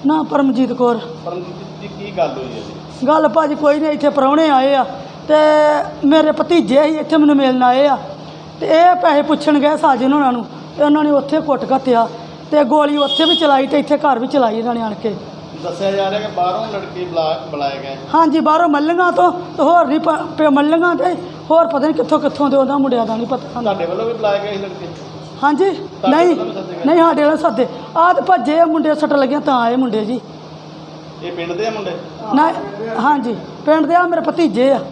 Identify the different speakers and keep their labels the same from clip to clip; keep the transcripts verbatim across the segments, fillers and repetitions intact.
Speaker 1: ਨਾ ਪਰਮਜੀਤ ਕੌਰ।
Speaker 2: ਪਰਮਜੀਤ ਜੀ ਕੀ ਗੱਲ ਹੋਈ ਹੈ ਜੀ?
Speaker 1: ਗੱਲ ਭਾਜੀ ਕੋਈ ਨਹੀਂ, ਇੱਥੇ ਪ੍ਰਾਹੁਣੇ ਆਏ ਆ ਤੇ ਮੇਰੇ ਭਤੀਜੇ ਹੀ ਇੱਥੇ ਮੈਨੂੰ ਮਿਲਣ ਆਏ ਆ ਤੇ ਇਹ ਪੈਸੇ ਪੁੱਛਣ ਗਏ ਸਾਜਨ ਉਹਨਾਂ ਨੂੰ ਤੇ ਉਹਨਾਂ ਨੇ ਉੱਥੇ ਕੁੱਟ ਘੱਤਿਆ ਤੇ ਗੋਲੀ ਉੱਥੇ ਵੀ ਚਲਾਈ ਤੇ ਇੱਥੇ ਘਰ ਵੀ ਚਲਾਈ ਇਹਨਾਂ ਨੇ ਆਣ ਕੇ।
Speaker 2: ਦੱਸਿਆ ਜਾ ਰਿਹਾ ਕਿ ਬਾਹਰੋਂ ਲੜਕੇ ਬੁਲਾ ਬੁਲਾਏ ਗਏ।
Speaker 1: ਹਾਂਜੀ, ਬਾਹਰੋਂ ਮੱਲੀਆਂ ਤੋਂ ਤੇ ਹੋਰ ਨਹੀਂ ਪ ਮੱਲੀਆਂ ਤੇ ਹੋਰ ਪਤਾ ਨਹੀਂ ਕਿੱਥੋਂ ਕਿੱਥੋਂ ਦੇ ਉਹਨਾਂ ਮੁੰਡਿਆਂ ਦਾ ਨਹੀਂ ਪਤਾ।
Speaker 2: ਤੁਹਾਡੇ ਵੱਲੋਂ ਵੀ ਬੁਲਾਏ ਗਏ ਸੀ ਲੜਕੇ?
Speaker 1: ਹਾਂਜੀ, ਨਹੀਂ ਨਹੀਂ ਸਾਡੇ ਵਾਲੇ ਸੱਦੇ ਆਹ ਤੇ ਭੱਜੇ ਆ ਮੁੰਡੇ, ਸੱਟ ਲੱਗੀਆਂ ਤਾਂ ਆਏ ਮੁੰਡੇ ਜੀ।
Speaker 2: ਇਹ ਪਿੰਡ ਦੇ ਆ ਮੁੰਡੇ?
Speaker 1: ਨਾ ਹਾਂਜੀ, ਪਿੰਡ ਦੇ ਆ, ਮੇਰੇ ਭਤੀਜੇ ਆ।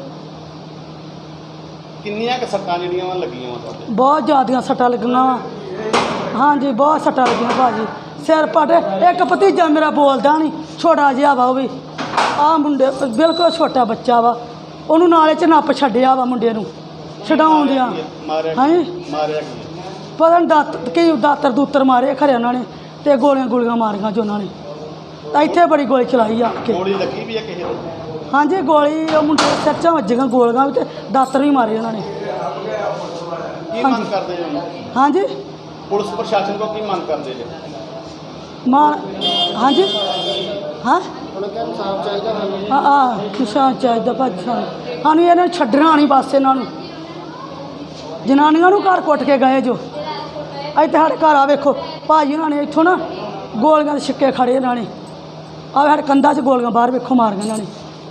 Speaker 2: ਕਿੰਨੀਆਂ ਕੁ ਸੱਟਾਂ ਜਿਹੜੀਆਂ ਵਾ ਲੱਗੀਆਂ ਵਾ ਤੁਹਾਡੇ?
Speaker 1: ਬਹੁਤ ਜ਼ਿਆਦੀਆਂ ਸੱਟਾਂ ਲੱਗੀਆਂ ਵਾ। ਹਾਂਜੀ, ਬਹੁਤ ਸੱਟਾਂ ਲੱਗੀਆਂ ਭਾਜੀ, ਸਿਰ ਪਟ। ਇੱਕ ਭਤੀਜਾ ਮੇਰਾ ਬੋਲਦਾ ਨਹੀਂ, ਛੋਟਾ ਜਿਹਾ ਵਾ ਉਹ ਵੀ। ਆਹ ਮੁੰਡੇ ਬਿਲਕੁਲ ਛੋਟਾ ਬੱਚਾ ਵਾ, ਉਹਨੂੰ ਨਾਲੇ 'ਚ ਨੱਪ ਛੱਡਿਆ ਵਾ ਮੁੰਡੇ ਨੂੰ ਛਡਾਉਂਦਿਆਂ। ਹਾਂਜੀ,
Speaker 2: ਮਾਰਿਆ ਕੀ?
Speaker 1: ਪਤਾ ਨਹੀਂ ਦਾਤ ਕੀ ਦਾਤਰ ਦੂਤਰ ਮਾਰੇ ਖਰੇ ਉਹਨਾਂ ਨੇ ਤੇ ਗੋਲੀਆਂ ਗੋਲੀਆਂ ਮਾਰੀਆਂ ਜੋ ਉਹਨਾਂ ਨੇ। ਤਾਂ ਇੱਥੇ ਬੜੀ ਗੋਲੀ ਚਲਾਈ ਆ ਕੇ।
Speaker 2: ਗੋਲੀ ਲੱਗੀ ਵੀ ਆ ਕਿਸੇ ਦੇ?
Speaker 1: ਹਾਂਜੀ, ਗੋਲੀ ਉਹ ਮੁੰਡੇ ਦੇ ਸਿਰ 'ਚ ਵੱਜੀਆਂ ਗੋਲੀਆਂ ਵੀ ਤੇ ਦਾਤਰ ਵੀ ਮਾਰੇ ਉਹਨਾਂ ਨੇ।
Speaker 2: ਕੀ ਮੰਗ ਕਰਦੇ ਜੀ?
Speaker 1: ਹਾਂਜੀ,
Speaker 2: ਪੁਲਿਸ ਪ੍ਰਸ਼ਾਸਨ ਕੋਲ ਕੀ ਮੰਗ ਕਰਦੇ ਜੀ?
Speaker 1: ਮਾਂ ਹਾਂਜੀ ਹਾਂ ਹਾਂ ਹਾਂ ਕਿਸਾਨ ਚਾਹੀਦਾ ਭਾਜੀ ਸਾਨੂੰ। ਸਾਨੂੰ ਇਹਨਾਂ ਨੂੰ ਛੱਡਣਾ ਨਹੀਂ ਬਸ। ਇਹਨਾਂ ਨੂੰ ਜਨਾਨੀਆਂ ਨੂੰ ਘਰ ਕੁੱਟ ਕੇ ਗਏ ਜੋ। ਇੱਥੇ ਸਾਡੇ ਘਰ ਆ ਵੇਖੋ ਭਾਜੀ, ਉਹਨਾਂ ਨੇ ਇੱਥੋਂ ਨਾ ਗੋਲੀਆਂ ਦੇ ਛਿੱਕੇ ਖੜੇ ਇਹਨਾਂ ਨੇ। ਆ ਸਾਡੇ ਕੰਧਾਂ 'ਚ ਗੋਲੀਆਂ ਬਾਹਰ ਵੇਖੋ ਮਾਰੀਆਂ ਇਹਨਾਂ ਨੇ।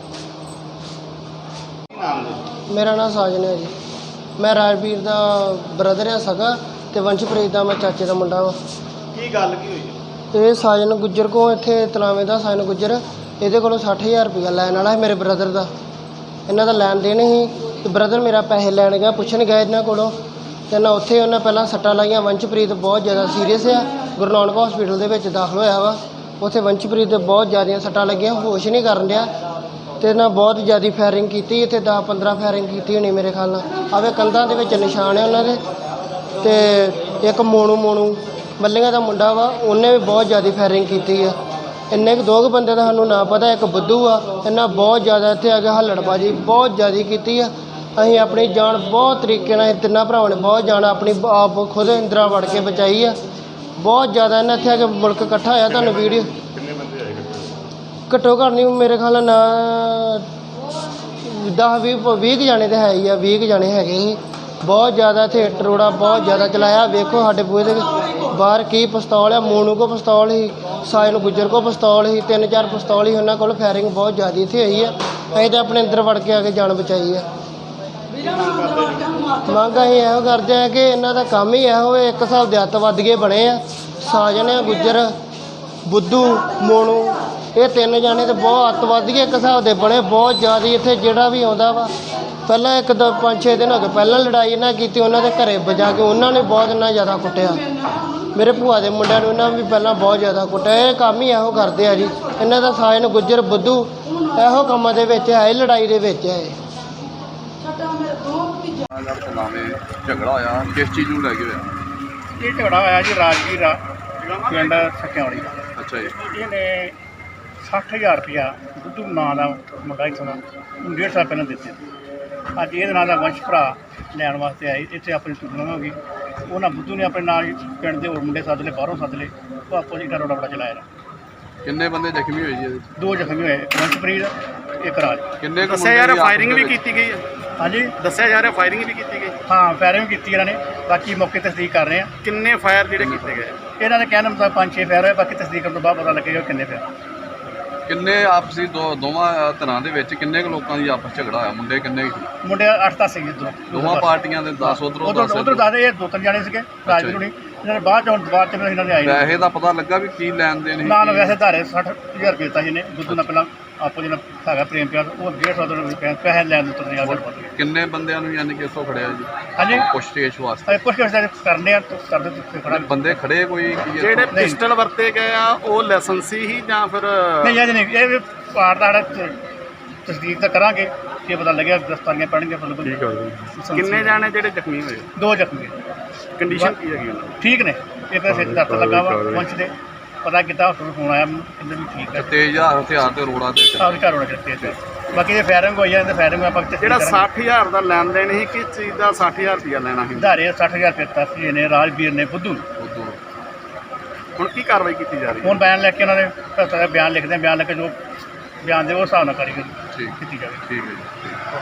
Speaker 3: ਮੇਰਾ ਨਾਮ ਸਾਜਨ ਹੈ ਜੀ। ਮੈਂ ਰਾਜਵੀਰ ਦਾ ਬ੍ਰਦਰ ਆ ਸਗਾ ਤੇ ਵੰਸ਼ਪ੍ਰੀਤ ਦਾ ਮੈਂ ਚਾਚੇ ਦਾ ਮੁੰਡਾ ਵਾ।
Speaker 2: ਕੀ ਗੱਲ ਕੀ ਹੋਈ?
Speaker 3: ਇਹ ਸਾਜਨ ਗੁੱਜਰ ਕੋਲ ਇੱਥੇ ਤਲਾਵੇਂ ਦਾ ਸਾਜਨ ਗੁੱਜਰ, ਇਹਦੇ ਕੋਲੋਂ ਸੱਠ ਹਜ਼ਾਰ ਰੁਪਈਆ ਲੈਣ ਵਾਲਾ ਹੈ ਮੇਰੇ ਬ੍ਰਦਰ ਦਾ। ਇਹਨਾਂ ਦਾ ਲੈਣ ਦੇਣ ਸੀ ਤੇ ਬ੍ਰਦਰ ਮੇਰਾ ਪੈਸੇ ਲੈਣ ਗਿਆ, ਪੁੱਛਣ ਗਿਆ ਇਹਨਾਂ ਕੋਲੋਂ ਤੇ ਨਾ ਉੱਥੇ ਉਹਨਾਂ ਪਹਿਲਾਂ ਸੱਟਾਂ ਲਾਈਆਂ। ਵੰਸ਼ਪ੍ਰੀਤ ਬਹੁਤ ਜ਼ਿਆਦਾ ਸੀਰੀਅਸ ਆ, ਗੁਰੂ ਨਾਨਕ ਹਸਪੀਟਲ ਦੇ ਵਿੱਚ ਦਾਖਲ ਹੋਇਆ ਵਾ। ਉੱਥੇ ਵੰਸ਼ਪ੍ਰੀਤ ਦੇ ਬਹੁਤ ਜ਼ਿਆਦੀਆਂ ਸੱਟਾਂ ਲੱਗੀਆਂ, ਹੋਸ਼ ਨਹੀਂ ਕਰਨ ਡਿਆ ਤੇ ਨਾ ਬਹੁਤ ਜ਼ਿਆਦਾ ਫਾਇਰਿੰਗ ਕੀਤੀ। ਇੱਥੇ ਦਸ ਪੰਦਰਾਂ ਫਾਇਰਿੰਗ ਕੀਤੀ ਹੋਣੀ ਮੇਰੇ ਖਿਆਲ ਨਾਲ। ਆਵੇ ਕੰਧਾਂ ਦੇ ਵਿੱਚ ਨਿਸ਼ਾਨ ਹੈ ਉਹਨਾਂ ਦੇ। ਤੇ ਇੱਕ ਮੋਨੂ ਮੋਨੂ ਮੱਲੀਆਂ ਦਾ ਮੁੰਡਾ ਵਾ, ਉਹਨੇ ਵੀ ਬਹੁਤ ਜ਼ਿਆਦਾ ਫਾਇਰਿੰਗ ਕੀਤੀ ਆ। ਇੰਨੇ ਕੁ ਦੋ ਕੁ ਬੰਦੇ ਦਾ ਸਾਨੂੰ ਨਾ ਪਤਾ, ਇੱਕ ਬੁੱਧੂ ਆ। ਇਹਨਾਂ ਬਹੁਤ ਜ਼ਿਆਦਾ ਇੱਥੇ ਆ ਕੇ ਹੱਲੜਬਾਜੀ ਬਹੁਤ ਜ਼ਿਆਦਾ ਕੀਤੀ ਆ। ਅਸੀਂ ਆਪਣੀ ਜਾਨ ਬਹੁਤ ਤਰੀਕੇ ਨਾਲ, ਤਿੰਨਾਂ ਭਰਾਵਾਂ ਨੇ ਬਹੁਤ ਜਾਨ ਆਪਣੀ ਆਪ ਖੁਦ ਇੰਦਰਾ ਵੜ ਕੇ ਬਚਾਈ ਆ। ਬਹੁਤ ਜ਼ਿਆਦਾ ਇਹਨਾਂ ਇੱਥੇ ਆ ਕੇ ਮੁਲਕ ਇਕੱਠਾ ਹੋਇਆ। ਤੁਹਾਨੂੰ ਵੀਡੀਓ ਘੱਟੋ ਘੱਟ ਨਹੀਂ ਮੇਰੇ ਖਿਆਲ ਨਾਲ ਦਸ ਵੀਹ ਵੀਹ ਕੁ ਜਾਣੇ ਤਾਂ ਹੈ ਹੀ ਆ, ਵੀਹ ਕੁ ਜਾਣੇ ਹੈਗੇ ਸੀ। ਬਹੁਤ ਜ਼ਿਆਦਾ ਇੱਥੇ ਟਰੋੜਾ ਬਹੁਤ ਜ਼ਿਆਦਾ ਚਲਾਇਆ। ਵੇਖੋ ਸਾਡੇ ਬੂਹੇ ਦੇ ਬਾਹਰ ਕੀ ਪਿਸਤੌਲ ਆ। ਮੋਨੂ ਕੋ ਪਿਸਤੌਲ ਸੀ, ਸਾਜਨ ਗੁੱਜਰ ਕੋ ਪਿਸਤੌਲ ਸੀ, ਤਿੰਨ ਚਾਰ ਪਿਸਤੌਲ ਸੀ ਉਹਨਾਂ ਕੋਲ। ਫਾਇਰਿੰਗ ਬਹੁਤ ਜ਼ਿਆਦਾ ਇੱਥੇ ਹੋਈ ਆ। ਅਸੀਂ ਤਾਂ ਆਪਣੇ ਅੰਦਰ ਵੜ ਕੇ ਆ ਕੇ ਜਾਨ ਬਚਾਈ ਆ। ਮੰਗ ਅਸੀਂ ਇਹੋ ਕਰਦੇ ਆ ਕਿ ਇਹਨਾਂ ਦਾ ਕੰਮ ਹੀ ਇਹੋ ਹੋਵੇ। ਇੱਕ ਹਿਸਾਬ ਦੇ ਅੱਤਵਾਦੀਏ ਬਣੇ ਆ। ਸਾਜਨ ਆ ਗੁੱਜਰ, ਬੁੱਧੂ, ਮੋਨੂ, ਇਹ ਤਿੰਨ ਜਾਣੇ ਤੇ ਬਹੁਤ ਅੱਤਵਾਦੀਏ ਇੱਕ ਹਿਸਾਬ ਦੇ ਬਣੇ। ਬਹੁਤ ਜ਼ਿਆਦਾ ਇੱਥੇ ਜਿਹੜਾ ਵੀ ਆਉਂਦਾ ਵਾ, ਪਹਿਲਾਂ ਇੱਕ ਦੋ ਪੰਜ ਛੇ ਦਿਨ ਹੋ ਗਏ ਪਹਿਲਾਂ ਲੜਾਈ ਇਹਨਾਂ ਕੀਤੀ ਉਹਨਾਂ ਦੇ ਘਰੇ ਵਜਾ ਕੇ। ਉਹਨਾਂ ਨੇ ਬਹੁਤ ਇੰਨਾ ਜ਼ਿਆਦਾ ਕੁੱਟਿਆ। ਮੇਰੇ ਭੂਆ ਦੇ ਮੁੰਡਿਆਂ ਨੂੰ ਇਹਨਾਂ ਵੀ ਪਹਿਲਾਂ ਬਹੁਤ ਜ਼ਿਆਦਾ ਕੁੱਟਿਆ। ਇਹ ਕੰਮ ਹੀ ਇਹੋ ਕਰਦੇ ਆ ਜੀ ਇਹਨਾਂ ਦਾ। ਸਾਜਨ ਗੁੱਜਰ, ਬੁੱਧੂ ਇਹੋ ਕੰਮਾਂ ਦੇ ਵਿੱਚ ਹੈ, ਲੜਾਈ ਦੇ ਵਿੱਚ ਹੈ।
Speaker 4: ਝਗੜਾ ਹੋਇਆ ਕਿਸ ਚੀਜ਼ ਨੂੰ ਲੈ ਕੇ ਹੋਇਆ?
Speaker 2: ਇਹ ਝਗੜਾ ਹੋਇਆ ਜੀ ਰਾਜਵੀਰ ਆ ਪਿੰਡ ਸਕਿਆਉਣੀ ਦਾ।
Speaker 4: ਅੱਛਾ ਜੀ।
Speaker 2: ਇਹਨੇ ਸੱਠ ਹਜ਼ਾਰ ਰੁਪਇਆ ਬੁੱਧੂ ਨਾਂ ਦਾ ਮੁੰਡਾ ਇੱਥੋਂ ਦਾ ਡੇਢ ਸਾਲ ਪਹਿਲਾਂ ਦਿੱਤੇ। ਅੱਜ ਇਹਦੇ ਨਾਂ ਦਾ ਵੰਸ਼ ਭਰਾ ਲੈਣ ਵਾਸਤੇ ਆਏ। ਇੱਥੇ ਆਪਣੀ ਟੂਰਨਾਮੈਂਟ ਹੋ ਗਈ। ਉਹਨਾਂ ਬੁੱਧੂ ਨੇ ਆਪਣੇ ਨਾਲ ਪਿੰਡ ਦੇ ਹੋਰ ਮੁੰਡੇ ਸੱਦ ਲਏ, ਬਾਹਰੋਂ ਸੱਦ ਲਏ। ਉਹ ਆਪੋ ਜੀ ਰੋੜਾ ਬੜਾ ਚਲਾਇਆ।
Speaker 4: ਕਿੰਨੇ ਬੰਦੇ ਜ਼ਖਮੀ ਹੋਏ ਜੀ ਇਹਦੇ ਵਿੱਚ?
Speaker 2: ਦੋ ਜ਼ਖਮੀ ਹੋਏ, ਵੰਸ਼ਪ੍ਰੀਤ, ਇੱਕ ਰਾਜ।
Speaker 4: ਕਿੰਨੇ ਕੁ
Speaker 5: ਦੱਸਿਆ ਜਾ ਰਿਹਾ ਫਾਇਰਿੰਗ ਵੀ ਕੀਤੀ ਗਈ ਹੈ?
Speaker 2: ਹਾਂਜੀ,
Speaker 5: ਦੱਸਿਆ ਜਾ ਰਿਹਾ ਫਾਇਰਿੰਗ ਵੀ ਕੀਤੀ ਗਈ।
Speaker 2: ਹਾਂ, ਫਾਇਰਿੰਗ ਵੀ ਕੀਤੀ ਇਹਨਾਂ ਨੇ। ਬਾਕੀ ਮੌਕੇ ਤਸਦੀਕ ਕਰ ਰਹੇ ਆ।
Speaker 5: ਕਿੰਨੇ ਫਾਇਰ ਜਿਹੜੇ ਕੀਤੇ ਗਏ?
Speaker 2: ਇਹਨਾਂ ਦੇ ਕਹਿਣ ਮੁਤਾਬਕ ਪੰਜ ਛੇ ਫਾਇਰ ਹੋਏ। ਬਾਕੀ ਤਸਦੀਕ ਕਰਨ ਤੋਂ ਬਾਅਦ ਪਤਾ ਲੱਗੇਗਾ ਕਿੰਨੇ ਫਾਇਰ।
Speaker 4: ਕਿੰਨੇ ਆਪਸੀ ਦੋ ਦੋਵਾਂ ਤਰ੍ਹਾਂ ਦੇ ਵਿੱਚ ਕਿੰਨੇ ਕੁ ਲੋਕਾਂ ਦੀ ਆਪਸ ਝਗੜਾ ਹੋਇਆ? ਮੁੰਡੇ ਕਿੰਨੇ ਸੀ?
Speaker 2: ਮੁੰਡੇ ਅੱਠ ਦਸ ਸੀਗੇ ਇੱਧਰੋਂ
Speaker 4: ਦੋਵਾਂ ਪਾਰਟੀਆਂ ਦੇ ਦਸ ਉਧਰੋਂ
Speaker 2: ਉਧਰ ਉਧਰ ਦੱਸਦੇ ਇਹ ਦੋ ਤਿੰਨ ਜਾਣੇ ਸੀਗੇ ਰਾਜਵੀਰ ਹੁਣੀ। ਇਹਨਾਂ ਨੇ ਬਾਅਦ 'ਚ ਹੁਣ ਦੁਬਾਰਾ 'ਚ ਇਹਨਾਂ ਦੇ ਆਏ
Speaker 4: ਪੈਸੇ ਦਾ ਪਤਾ ਲੱਗਾ ਵੀ ਕੀ ਲੈਣ ਦੇਣ ਸੀ?
Speaker 2: ਨਾਲ ਵੈਸੇ ਧਾਰੇ ਸੱਠ ਹਜ਼ਾਰ ਰੁਪਏ ਦਿੱਤਾ ਜਿਹਨੇ ਬੁੱਧੂ ਨਾਲ ਪਹਿਲਾਂ ਆਪੋ ਜਿਹੜਾ ਹੈਗਾ ਪ੍ਰੇਮ ਪਿਆਰ, ਉਹ ਡੇਢ ਸੌ ਰੁਪਏ ਪੈਸੇ ਲੈਣ ਦੇ ਉੱਤੇ ਯਾਦ ਪਤਾ।
Speaker 4: ਕਿੰਨੇ ਬੰਦਿਆਂ ਨੂੰ ਯਾਨੀ ਕਿ ਇੱਥੋਂ ਖੜਿਆ ਜੀ?
Speaker 2: ਹਾਂਜੀ,
Speaker 4: ਪੁੱਛਤੇਛ ਵਾਸਤੇ
Speaker 2: ਪੁੱਛ ਕੇ ਕਰਨੇ ਆ ਕਰਦੇ ਤੇ ਖੜਾ।
Speaker 4: ਬੰਦੇ ਖੜੇ ਕੋਈ
Speaker 5: ਜਿਹੜੇ ਪਿਸਟਲ ਵਰਤੇ ਗਏ ਆ ਉਹ ਲਾਇਸੈਂਸੀ ਹੀ ਜਾਂ ਫਿਰ
Speaker 2: ਨਹੀਂ? ਅਜੇ ਨਹੀਂ, ਇਹ ਪਾਰ ਦਾ ਸਾਡਾ ਤਸਦੀਕ ਤਾਂ ਕਰਾਂਗੇ ਕਿ ਪਤਾ ਲੱਗਿਆ ਗ੍ਰਿਫਤਾਰੀਆਂ ਪੈਣਗੀਆਂ।
Speaker 5: ਕਿੰਨੇ ਜਾਣੇ ਜਿਹੜੇ ਜ਼ਖਮੀ ਹੋਏ?
Speaker 2: ਦੋ ਜ਼ਖਮੀ।
Speaker 5: ਕੰਡੀਸ਼ਨ ਕੀ ਹੈਗੀ ਉਹਨਾਂ ਦੀ?
Speaker 2: ਠੀਕ ਨੇ। ਇੱਕ ਸਿਰ 'ਚ ਦਰਦ ਲੱਗਾ ਵਾ ਪਹੁੰਚ ਦੇ ਪਤਾ ਕੀਤਾ ਹਸਪਤਾਲ ਫੋਨ ਆਇਆ ਕਹਿੰਦੇ ਵੀ ਠੀਕ ਹੈ।
Speaker 4: ਤੇਜ਼ ਹਥਿਆਰ ਤੇ ਰੋੜਾ ਤੇ
Speaker 2: ਸਾਰੇ ਘਰ ਹੋਣਾ ਚਾਹੀਦਾ। ਬਾਕੀ ਜੇ ਫਾਇਰਿੰਗ ਹੋਈ ਜਾਂਦੇ ਫਾਇਰਿੰਗ ਆਪਾਂ
Speaker 5: ਜਿਹੜਾ ਸੱਠ ਹਜ਼ਾਰ ਦਾ ਲੈਣ ਦੇਣ ਸੀ, ਕਿਸ ਚੀਜ਼ ਦਾ ਸੱਠ ਹਜ਼ਾਰ ਰੁਪਇਆ ਲੈਣਾ ਸੀ?
Speaker 2: ਧਾਰੇ ਸੱਠ ਹਜ਼ਾਰ ਰੁਪਏ ਦਿੱਤਾ ਸੀ ਇਹਨੇ ਰਾਜਵੀਰ ਨੇ ਬੁੱਧੂ ਨੂੰ।
Speaker 5: ਹੁਣ ਕੀ ਕਾਰਵਾਈ ਕੀਤੀ ਜਾ ਰਹੀ ਹੈ?
Speaker 2: ਹੁਣ ਬਿਆਨ ਲੈ ਕੇ ਉਹਨਾਂ ਦੇ ਭਗਤਾਂ ਦਾ ਬਿਆਨ ਲਿਖਦੇ ਆ, ਬਿਆਨ ਲੈ ਕੇ ਜੋ ਬਿਆਨ ਦੇ ਉਹ ਹਿਸਾਬ ਨਾਲ ਕਾਰਵਾਈ
Speaker 4: ਠੀਕ
Speaker 2: ਕੀਤੀ ਜਾਵੇ।
Speaker 4: ਠੀਕ ਹੈ ਜੀ ਠੀਕ।